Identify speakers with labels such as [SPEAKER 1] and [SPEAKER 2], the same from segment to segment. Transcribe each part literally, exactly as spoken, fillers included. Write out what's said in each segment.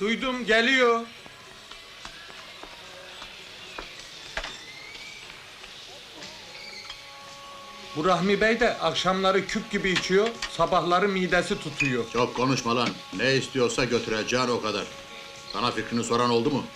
[SPEAKER 1] Duydum, geliyor. Bu Rahmi Bey de akşamları küp gibi içiyor, sabahları midesi tutuyor.
[SPEAKER 2] Çok konuşma lan. Ne istiyorsa götüreceğin o kadar. Sana fikrini soran oldu mu?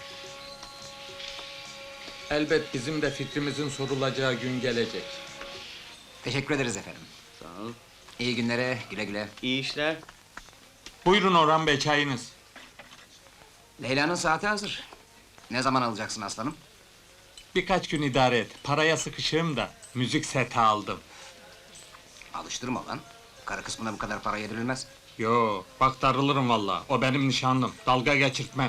[SPEAKER 1] Elbet bizim de fikrimizin sorulacağı gün gelecek.
[SPEAKER 3] Teşekkür ederiz efendim.
[SPEAKER 4] Sağ ol.
[SPEAKER 3] İyi günlere, güle güle.
[SPEAKER 4] İyi işler.
[SPEAKER 1] Buyurun Orhan Bey, çayınız.
[SPEAKER 3] Leyla'nın saati hazır. Ne zaman alacaksın aslanım?
[SPEAKER 1] Birkaç gün idare et, paraya sıkışığım da müzik seti aldım.
[SPEAKER 3] Alıştırma lan. Karı kısmına bu kadar para yedirilmez.
[SPEAKER 1] Yo, bak darılırım vallahi. O benim nişanlım, dalga geçirtmem.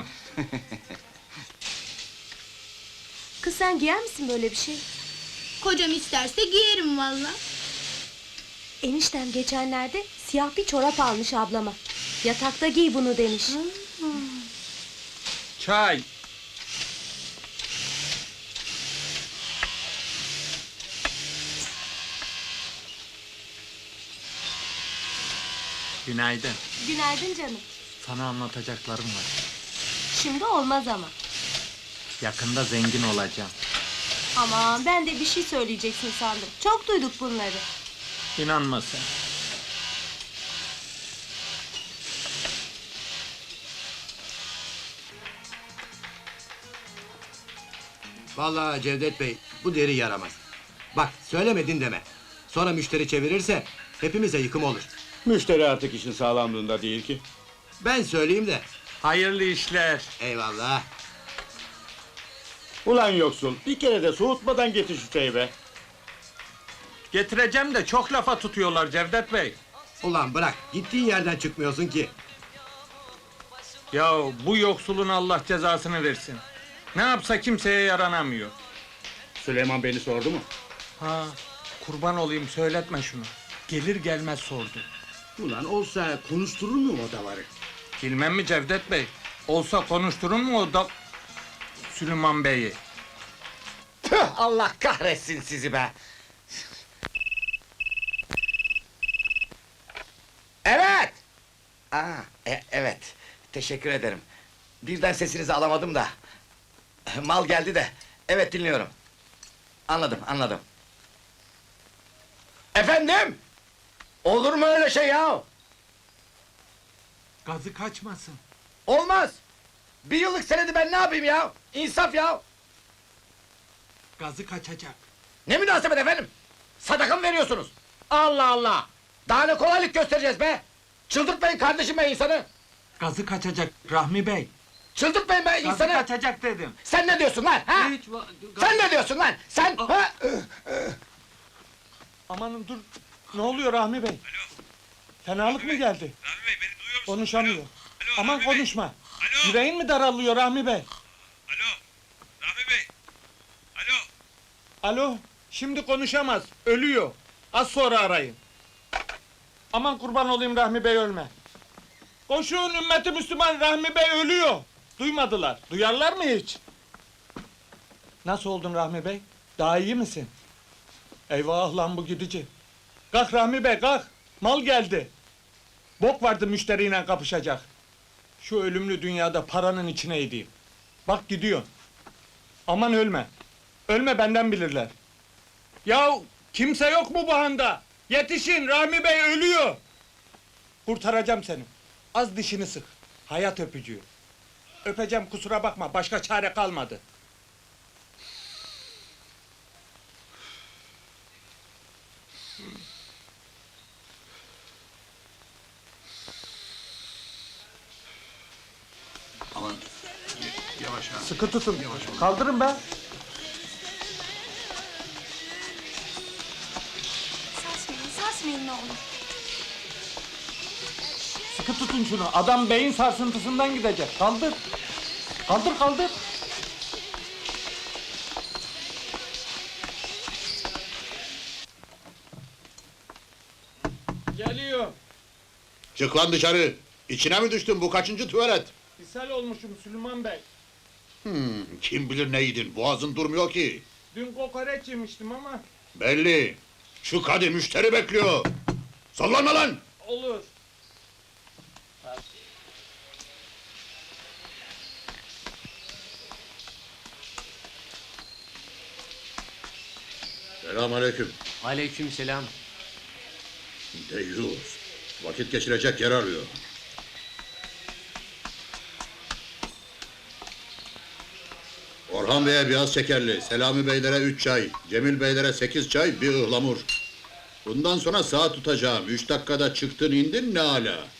[SPEAKER 5] Kız sen giyer misin böyle bir şey?
[SPEAKER 6] Kocam isterse giyerim valla.
[SPEAKER 5] Eniştem geçenlerde siyah bir çorap almış ablama. Yatakta giy bunu demiş.
[SPEAKER 1] Çay! Günaydın.
[SPEAKER 5] Günaydın canım.
[SPEAKER 1] Sana anlatacaklarım var.
[SPEAKER 5] Şimdi olmaz ama.
[SPEAKER 1] Yakında zengin olacağım.
[SPEAKER 5] Aman ben de bir şey söyleyeceksin sandım. Çok duyduk bunları.
[SPEAKER 1] İnanma sen.
[SPEAKER 7] Vallahi Cevdet Bey, bu deri yaramaz. Bak, söylemedin deme. Sonra müşteri çevirirse, hepimize yıkım olur.
[SPEAKER 8] Müşteri artık işin sağlamlığında değil ki.
[SPEAKER 7] Ben söyleyeyim de,
[SPEAKER 1] Hayırlı işler.
[SPEAKER 7] eyvallah.
[SPEAKER 8] Ulan yoksul, bir kere de soğutmadan getir şu çayı be.
[SPEAKER 1] Getireceğim de çok lafa tutuyorlar Cevdet Bey.
[SPEAKER 7] Ulan bırak, gittiğin yerden çıkmıyorsun ki.
[SPEAKER 1] Ya bu yoksulun Allah cezasını versin. Ne yapsa kimseye yaranamıyor.
[SPEAKER 8] Süleyman beni sordu mu?
[SPEAKER 1] Ha, kurban olayım söyletme şunu. Gelir gelmez sordu.
[SPEAKER 8] Ulan olsa konuşturur mu o davarı?
[SPEAKER 1] Bilmem mi Cevdet Bey? Olsa konuşturur mu o da... Süleyman Bey'i?
[SPEAKER 9] Tüh, Allah kahretsin sizi be! Evet! Aa, e- evet, teşekkür ederim. Birden sesinizi alamadım da. Mal geldi de, evet dinliyorum. Anladım, anladım. Efendim? Olur mu öyle şey ya?
[SPEAKER 1] Gazı kaçmasın.
[SPEAKER 9] Olmaz! Bir yıllık senedi ben ne yapayım ya? İnsaf ya!
[SPEAKER 1] Gazı kaçacak.
[SPEAKER 9] Ne münasebet efendim? Sadaka mı veriyorsunuz? Allah Allah! Daha ne kolaylık göstereceğiz be! Çıldırtmayın kardeşim be insanı!
[SPEAKER 1] Gazı kaçacak Rahmi Bey.
[SPEAKER 9] Çıldırtmayın be
[SPEAKER 1] Gazı
[SPEAKER 9] insanı!
[SPEAKER 1] kaçacak dedim.
[SPEAKER 9] Sen ne diyorsun lan ha?
[SPEAKER 1] Hiç va-
[SPEAKER 9] Sen ne diyorsun lan? Sen ha?
[SPEAKER 1] Amanın dur. Ne oluyor Rahmi Bey? Fenalık mı geldi?
[SPEAKER 10] Rahmi Bey beni duyuyor musun?
[SPEAKER 1] Konuşamıyor.
[SPEAKER 10] Alo,
[SPEAKER 1] Aman
[SPEAKER 10] Rahmi Bey.
[SPEAKER 1] konuşma.
[SPEAKER 10] Alo.
[SPEAKER 1] Yüreğin mi daralıyor Rahmi Bey?
[SPEAKER 10] Alo. Rahmi Bey. Alo.
[SPEAKER 1] Alo. Şimdi konuşamaz. Ölüyor. Az sonra arayın. Aman kurban olayım Rahmi Bey ölme. Koşun ümmeti Müslüman, Rahmi Bey ölüyor. Duymadılar. Duyarlar mı hiç? Nasıl oldun Rahmi Bey? Daha iyi misin? Eyvah lan bu gidici. Kalk Rahmi Bey kalk. Mal geldi. Bok vardı müşteriyle kapışacak. Şu ölümlü dünyada paranın içine edeyim. Bak gidiyor. Aman ölme. Ölme benden bilirler. Yahu kimse yok mu bu handa? Yetişin Rahmi Bey ölüyor. Kurtaracağım seni. Az dişini sık. Hayat öpücüğü. Öpeceğim kusura bakma başka çare kalmadı.
[SPEAKER 2] Aman, yavaş ha.
[SPEAKER 1] Sıkı tutun. Kaldırın be.
[SPEAKER 5] Sarsmayın, sarsmayın ne olur.
[SPEAKER 1] Sıkı tutun şunu. Adam beyin sarsıntısından gidecek. Kaldır. Kaldır kaldır. Geliyor.
[SPEAKER 2] Çık lan dışarı. İçine mi düştün? Bu kaçıncı tuvalet?
[SPEAKER 1] İshal olmuşum Süleyman Bey.
[SPEAKER 2] Hmm, kim bilir ne yedin? Boğazın durmuyor ki.
[SPEAKER 1] Dün kokoreç yemiştim ama
[SPEAKER 2] Belli. Şu hadi müşteri bekliyor. Sallanma lan!
[SPEAKER 1] olur.
[SPEAKER 2] Selamünaleyküm.
[SPEAKER 4] Aleykümselam.
[SPEAKER 2] Deyyus. Vakit geçirecek yer arıyor. Orhan Bey'e biraz şekerli, Selami Beylere üç çay, Cemil Beylere sekiz çay, bir ıhlamur. Bundan sonra saat tutacağım. Üç dakikada çıktın indin ne ala.